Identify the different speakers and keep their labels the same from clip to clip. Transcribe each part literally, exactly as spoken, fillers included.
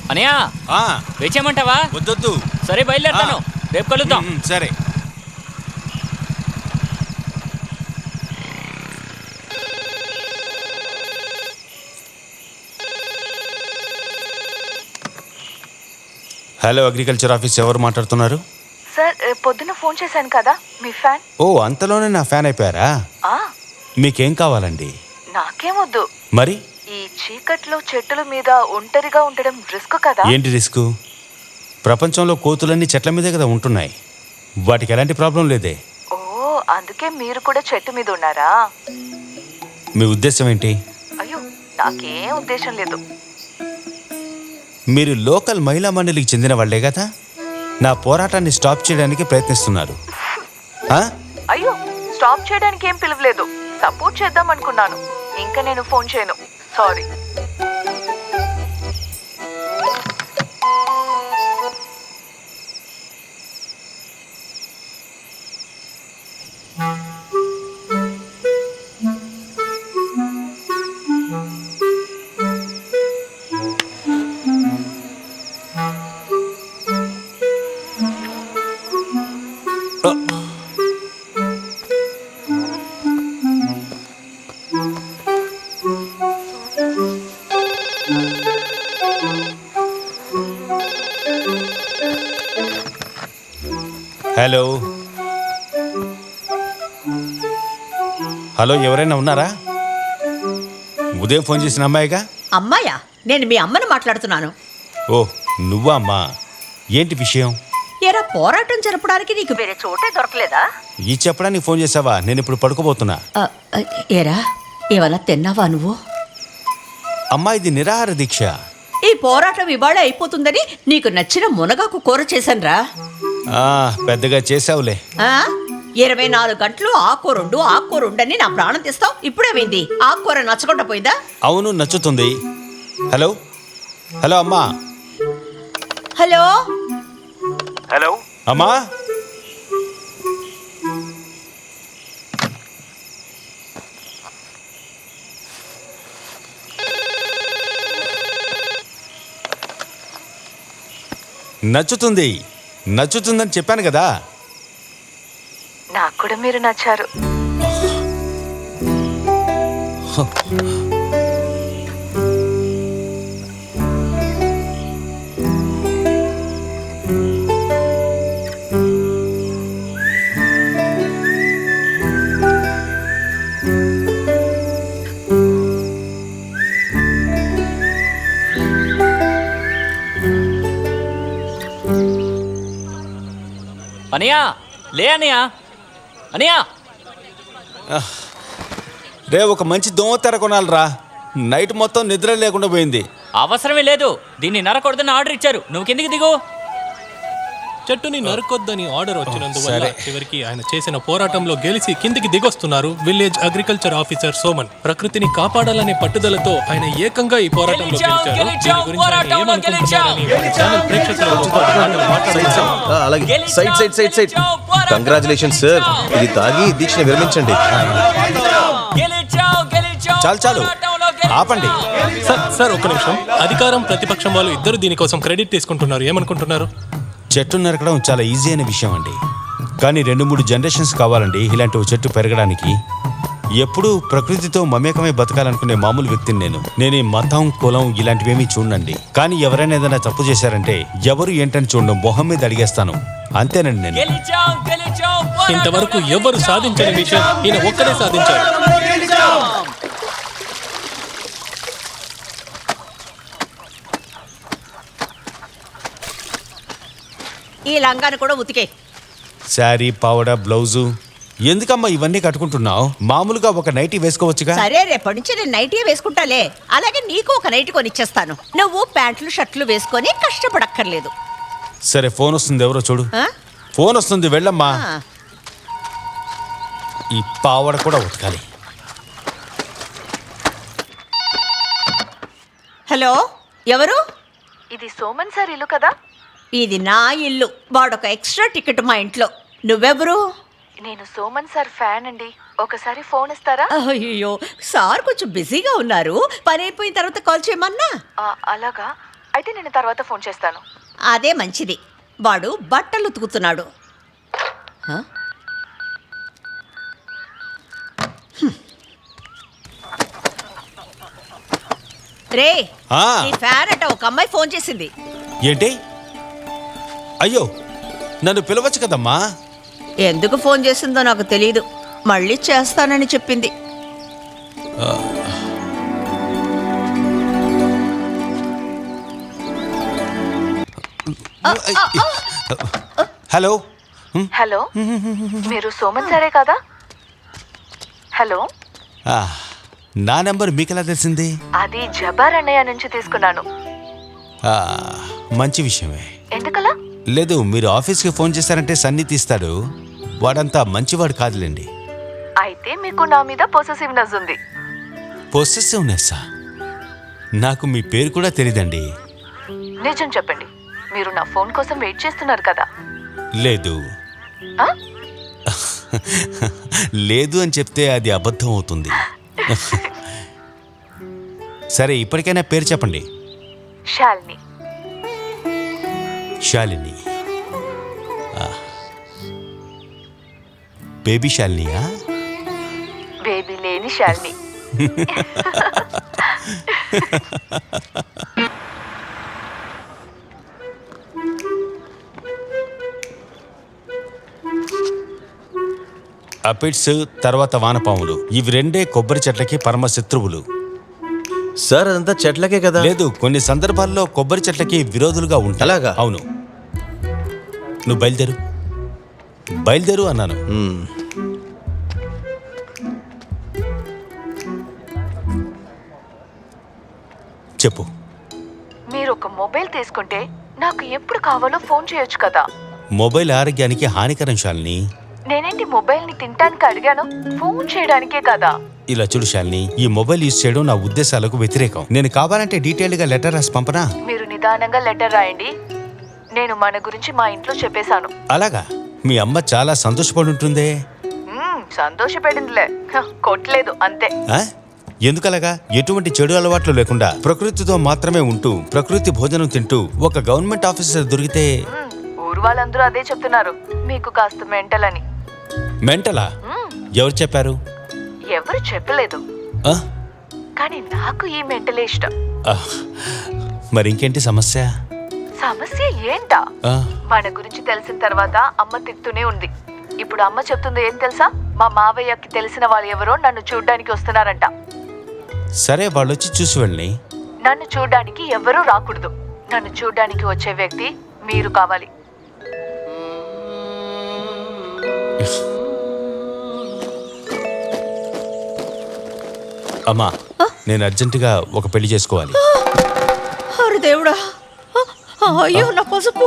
Speaker 1: అనయా వేచేయమంటావా?
Speaker 2: వద్దొద్దు.
Speaker 1: సరే బయలుదేరుతాను, రేపు కలుద్దాం.
Speaker 2: సరే. హలో, అగ్రికల్చర్ ఆఫీస్, ఎవరు మాట్లాడుతున్నారు?
Speaker 3: సార్, పొద్దున్న ఫోన్ చేశాను కదా, మీ ఫ్యాన్.
Speaker 2: ఓ, అంతలోనే నా ఫ్యాన్ అయిపోయారా? మీకేం కావాలండి?
Speaker 3: నాకేమొద్దు.
Speaker 2: మరి
Speaker 3: ఈ చీకట్లో చెట్టుల మీద ఒంటరిగా ఉండడం రిస్క్ కదా.
Speaker 2: ఏంటి రిస్క్? ప్రపంచంలో కోతులన్నీ చెట్ల మీదే కదా ఉంటున్నాయి, వాటికి ఎలాంటి ప్రాబ్లం లేదే.
Speaker 3: ఓ, అందుకే మీరు కూడా చెట్టు మీద ఉన్నారా?
Speaker 2: మీ ఉద్దేశం ఏంటి?
Speaker 3: అయ్యో, నాకేం ఉద్దేశం లేదు.
Speaker 2: మీరు లోకల్ మహిళా మండలికి చెందిన వాళ్లే కదా? నా పోరాటాన్ని స్టాప్ చేయడానికి ప్రయత్నిస్తున్నారు.
Speaker 3: అయ్యో, స్టాప్ చేయడానికి ఏం పిలవలేదు, సపోర్ట్ చేద్దాం అనుకున్నాను. ఇంకా నేను ఫోన్ చేయను, సారీ.
Speaker 2: హలో హలో, ఎవరైనా ఉన్నారా? ఉదయం ఫోన్ చేసిన అమ్మాయిగా.
Speaker 4: అమ్మాయా? నేను మీ అమ్మని మాట్లాడుతున్నాను.
Speaker 2: ఓ, నువ్వా అమ్మా? ఏంటి విషయం?
Speaker 4: ఏరా, పోరాటం జరపడానికి నీకు వేరే చోటే దొరకలేదా?
Speaker 2: ఈ చెప్పడానికి ఫోన్ చేసావా? నేను ఇప్పుడు పడుకోబోతున్నా.
Speaker 4: ఏరా, ఏమన్నా తిన్నావా నువ్వు?
Speaker 2: అమ్మా, ఇది నిరాహార దీక్ష.
Speaker 4: ఈ పోరాటం ఇవాళ అయిపోతుందని నీకు నచ్చిన మునగాకు కూర చేశానురా.
Speaker 2: పెద్దగా చేసావులే.
Speaker 4: ఇరవై నాలుగు గంటలు ఆకూరుండు ఆకూరుండని నా ప్రాణం తీస్తావు. ఇప్పుడేమైంది? ఆకూర నచ్చకుండా పోయిందా?
Speaker 2: అవును, నచ్చుతుంది. హలో హలో అమ్మా.
Speaker 4: హలో
Speaker 2: హలో అమ్మా. నచ్చుతుంది నచ్చుతుందని చెప్పాను కదా.
Speaker 3: నాకు కూడా మీరు నచ్చారు.
Speaker 1: అనయా, లే అనయా. అనయా,
Speaker 2: రే, ఒక మంచి దోమతెర కొనాలిరా. నైట్ మొత్తం నిద్ర లేకుండా పోయింది.
Speaker 1: అవసరమే లేదు, దీన్ని నరకొడదని ఆర్డర్ ఇచ్చారు. నువ్వు కిందికి దిగు.
Speaker 5: చెట్టుని నరకొద్దని ఆర్డర్ వచ్చినందువల్ల చివరికి ఆయన చేసిన పోరాటంలో గెలిచి కిందికి దిగొస్తున్నారు విలేజ్ అగ్రికల్చర్ ఆఫీసర్ సోమన్. ప్రకృతిని కాపాడాలనే పట్టుదలతో ఆయన ఏకంగా ఈ పోరాటంలో గెలిచారు. దీని గురించి ఆయన ఏమనుకుంటున్నారని మన ఛానల్ ప్రేక్షకులతో మాట్లాడదాం.
Speaker 6: అలాగే, side side side side congratulations sir. ఇది తాగి దీక్షను విరమించండి.
Speaker 2: చాలు చాలు, ఆపండి.
Speaker 5: సార్ సార్ ఒక్క నిమిషం. అధికారం ప్రతిపక్షం వాళ్ళు ఇద్దరు దీనికోసం క్రెడిట్ తీసుకుంటున్నారు. ఏమనుకుంటున్నారు?
Speaker 2: చెట్టు నరకడం చాలా ఈజీ అయిన విషయం అండి, కానీ రెండు మూడు జనరేషన్స్ కావాలండి ఇలాంటి ఓ చెట్టు పెరగడానికి. ఎప్పుడూ ప్రకృతితో మమేకమై బతకాలనుకునే మామూలు వ్యక్తిని నేను. నేను ఈ మతం కులం ఇలాంటివేమీ చూడండి, కానీ ఎవరైనా ఏదైనా తప్పు చేశారంటే ఎవరు ఏంటని చూడడం, మొహం మీద అడిగేస్తాను. అంతేనండి నేను.
Speaker 5: ఇంతవరకు ఎవరు సాధించని విషయం ఈయన ఒక్కడే సాధించారు.
Speaker 4: ఈ లంగాను కూడా ఉతికే.
Speaker 2: శారీ, పావడ, బ్లౌజు ఎందుకమ్మా ఇవన్నీ కట్టుకుంటున్నావు? మామూలుగా ఒక నైటీ వేసుకోవచ్చుగా.
Speaker 4: సరే, రేపటి నుంచి నేను నైటీ వేసుకుంటాలే. అలాగే నీకు ఒక నైటీ కొనిచ్చేస్తాను. నువ్వు ప్యాంట్లు షర్ట్లు వేసుకొని కష్టపడక్కర్లేదు.
Speaker 2: సరే, ఫోన్ వస్తుంది, ఎవరో చూడు. ఫోన్ వస్తుంది, వెళ్ళమ్మా. ఈ పావడ కూడా ఉతకాలి.
Speaker 4: హలో, ఎవరు?
Speaker 3: ఇది సోమన్ సార్ ఇల్లు కదా?
Speaker 4: ఇది నా ఇల్లు. వాడొక ఎక్స్ట్రా టికెట్ మా ఇంట్లో. నువ్వెవరు?
Speaker 3: నేను సోమన్ సార్ ఫ్యాన్ అండి. ఒకసారి ఫోన్ ఇస్తారా?
Speaker 4: అయ్యో, సార్ కొంచెం బిజీగా ఉన్నారు. పని అయిపోయిన తర్వాత కాల్ చేయమన్నా.
Speaker 3: అలాగా, అయితే నేను తర్వాత ఫోన్ చేస్తాను.
Speaker 4: అదే మంచిది. వాడు బట్టలు ఉతుకుతున్నాడు. హ? హ్మ్. రే
Speaker 2: ఆ.
Speaker 4: నీ ఫ్యాన్ అట ఒక అమ్మాయి ఫోన్ చేసింది.
Speaker 2: ఏంటి? అయ్యో, నన్ను పిలవచ్చు కదమ్మా.
Speaker 4: ఎందుకు ఫోన్ చేసిందో నాకు తెలియదు. మళ్ళీ చేస్తానని చెప్పింది.
Speaker 2: హలో.
Speaker 3: హలో, మీరు సోమన్ సరే కదా? హలో,
Speaker 2: ఆ, నా నెంబర్ మీకెలా తెలిసింది?
Speaker 3: అది జబార్ అన్నయ్య నుంచి తీసుకున్నాను.
Speaker 2: ఆ, మంచి విషయమే.
Speaker 3: ఎందుకలా?
Speaker 2: లేదు, మీరు ఆఫీస్కి ఫోన్ చేశారంటే సన్ని తీస్తాడు. వాడంతా మంచివాడు కాదులేండి.
Speaker 3: అయితే మీకు నా మీద పొసెసివ్నెస్ ఉంది.
Speaker 2: పొసెసివ్నెస్సా? నాకు మీ పేరు కూడా తెలీదండి.
Speaker 3: నిజం చెప్పండి, మీరు నా ఫోన్ కోసం వెయిట్ చేస్తున్నారు కదా?
Speaker 2: లేదు.
Speaker 3: ఆ?
Speaker 2: లేదు అని చెప్తే అది అబద్ధం అవుతుంది. సరే, ఇప్పటికైనా పేరు చెప్పండి.
Speaker 3: శాలిని.
Speaker 2: శాలిని. ఆ. బేబీ శాలినియా?
Speaker 3: బేబీ లేని శాలిని.
Speaker 2: అపిడ్స్, తర్వాత వానపాములు, ఇవి రెండే కొబ్బరి చెట్లకి పరమ శత్రువులు.
Speaker 6: సార్ అదంతా చెట్లకే కదా.
Speaker 2: లేదు, కొన్ని సందర్భాల్లో కొబ్బరి చెట్లకి విరోధులుగా ఉంటాయి.
Speaker 6: అలాగా?
Speaker 2: అవును. నువ్వు బయలుదేరు. బయలుదేరు అన్నాను.
Speaker 6: మ్మ్.
Speaker 2: చెప్పు.
Speaker 3: మీరు ఒక మొబైల్ తీసుకుంటే నాకు ఎప్పుడు కావాలో ఫోన్ చేయొచ్చు కదా?
Speaker 2: మొబైల్ ఆరోగ్యానికి హానికరం శాలిని.
Speaker 3: నేనేంటి మొబైల్ ని తినడానికి అడిగాను, ఫోన్ చేయడానికే కదా.
Speaker 2: ఇలా చూడు శాలిని, ఈ మొబైల్ యూజ్ చేయడం నా ఉద్దేశాలకు వ్యతిరేకం. నేను కావాలంటే డీటెయిల్డ్ గా లెటర్ రాసి పంపనా?
Speaker 3: మీరు నిదానంగా లెటర్ రాయండి. నేను మన గురించి మా ఇంట్లో చెప్పేశాను.
Speaker 2: అలాగా? మీ అమ్మ చాలా సంతోషపడి ఉంటుందే.
Speaker 3: మ్మ్, సంతోషపడిందిలే, హ, కొట్టలేదు అంతే.
Speaker 2: ఆ? ఎందుకలాగా? ఎటువంటి చెడు అలవాట్లు లేకుండా ప్రకృతితో మాత్రమే ఉంటూ ప్రకృతి భోజనం తింటూ ఒక గవర్నమెంట్ ఆఫీసర్ దొరికితే.
Speaker 3: మ్మ్, ఊరు వాళ్ళందరూ అదే చెప్తున్నారు, మీకు కాస్త మెంటల్ అని.
Speaker 2: మెంటలా?
Speaker 3: మ్మ్,
Speaker 2: ఎవరు చెప్పారు?
Speaker 3: ఎవరు చెప్పలేదు,
Speaker 2: ఆ?
Speaker 3: కానీ నాకు ఈ మెంటలే ఇష్టం.
Speaker 2: ఆ, మరి ఇంకేంటి సమస్య?
Speaker 3: సమస్య ఏంటా?
Speaker 2: ఆ,
Speaker 3: మన గురించి తెలిసిన తర్వాత అమ్మ తిడుతూనే ఉంది. ఇప్పుడు అమ్మ చెప్తుంది ఏం తెలుసా? మా మావయ్యకి తెలిసిన వాళ్ళు ఎవరో నన్ను చూడ్డానికి వస్తున్నారంట.
Speaker 2: సరే, వాళ్ళు వచ్చి చూసి వెళ్ళి.
Speaker 3: నన్ను చూడ్డానికి ఎవరూ రాకూడదు. నన్ను చూడ్డానికి వచ్చే వ్యక్తి మీరు కావాలి.
Speaker 2: అమ్మా, నేను అర్జెంటుగా ఒక పెళ్లి చేసుకోవాలి.
Speaker 4: అరే దేవుడా! అయ్యో నా పసుపు!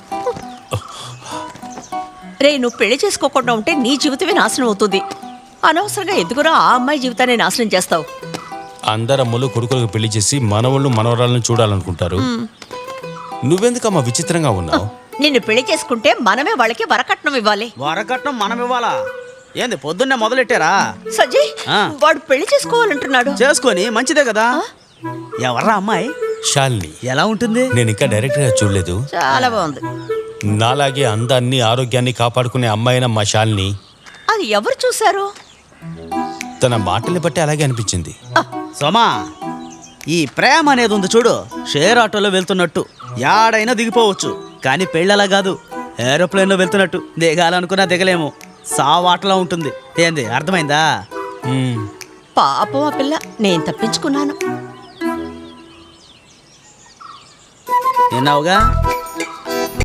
Speaker 4: రే, నువ్వు పెళ్లి చేసుకోకుండా ఉంటే నీ జీవితమే నాశనం అవుతుంది. అనవసరంగా ఎందుకురా ఆ అమ్మాయి జీవితాన్ని నాశనం చేస్తావు?
Speaker 2: అందరమ్మలు కొడుకులకు పెళ్లి చేసి మనవళ్ళు మనవరాలను చూడాలనుకుంటారు. నువ్వెందుకమ్మా విచిత్రంగా ఉన్నావు?
Speaker 4: నిన్ను పెళ్లి చేసుకుంటే మనమే వాళ్ళకి వరకట్నం ఇవ్వాలి.
Speaker 7: వరకట్నం మనం ఇవ్వాలా? ఏంది పొద్దున్నే మొదలెట్టారా?
Speaker 4: సజ్జయ్,
Speaker 7: ఆ.
Speaker 4: వాడు పెళ్లి చేసుకోవాలంటున్నాడు.
Speaker 7: చేసుకొని మంచిదే కదా. ఎవర్రా అమ్మాయి?
Speaker 2: శాలిని.
Speaker 7: ఎలా ఉంటుంది?
Speaker 2: నేను ఇంకా డైరెక్ట్ గా చూడలేదు.
Speaker 4: చాలా బాగుంది.
Speaker 2: నాలాగే అందాన్ని ఆరోగ్యాన్ని కాపాడుకునే అమ్మాయిన మా శాలిని.
Speaker 4: అది ఎవరు చూశారు?
Speaker 2: తన మాటల్ని బట్టి అలాగే అనిపించింది.
Speaker 7: సోమా, ఈ ప్రేమ అనేది ఉంది చూడు, షేర్ ఆటోలో వెళ్తున్నట్టు యాడైనా దిగిపోవచ్చు. కానీ పెళ్ళలా కాదు, ఏరోప్లేన్లో వెళ్తున్నట్టు దిగాలనుకున్నా దిగలేము. సావాటలా ఉంటుంది. ఏంది, అర్థమైందా?
Speaker 2: మ్మ్.
Speaker 4: పాపం ఆ పిల్ల. నేను తప్పించుకున్నాను.
Speaker 7: విన్నావుగా?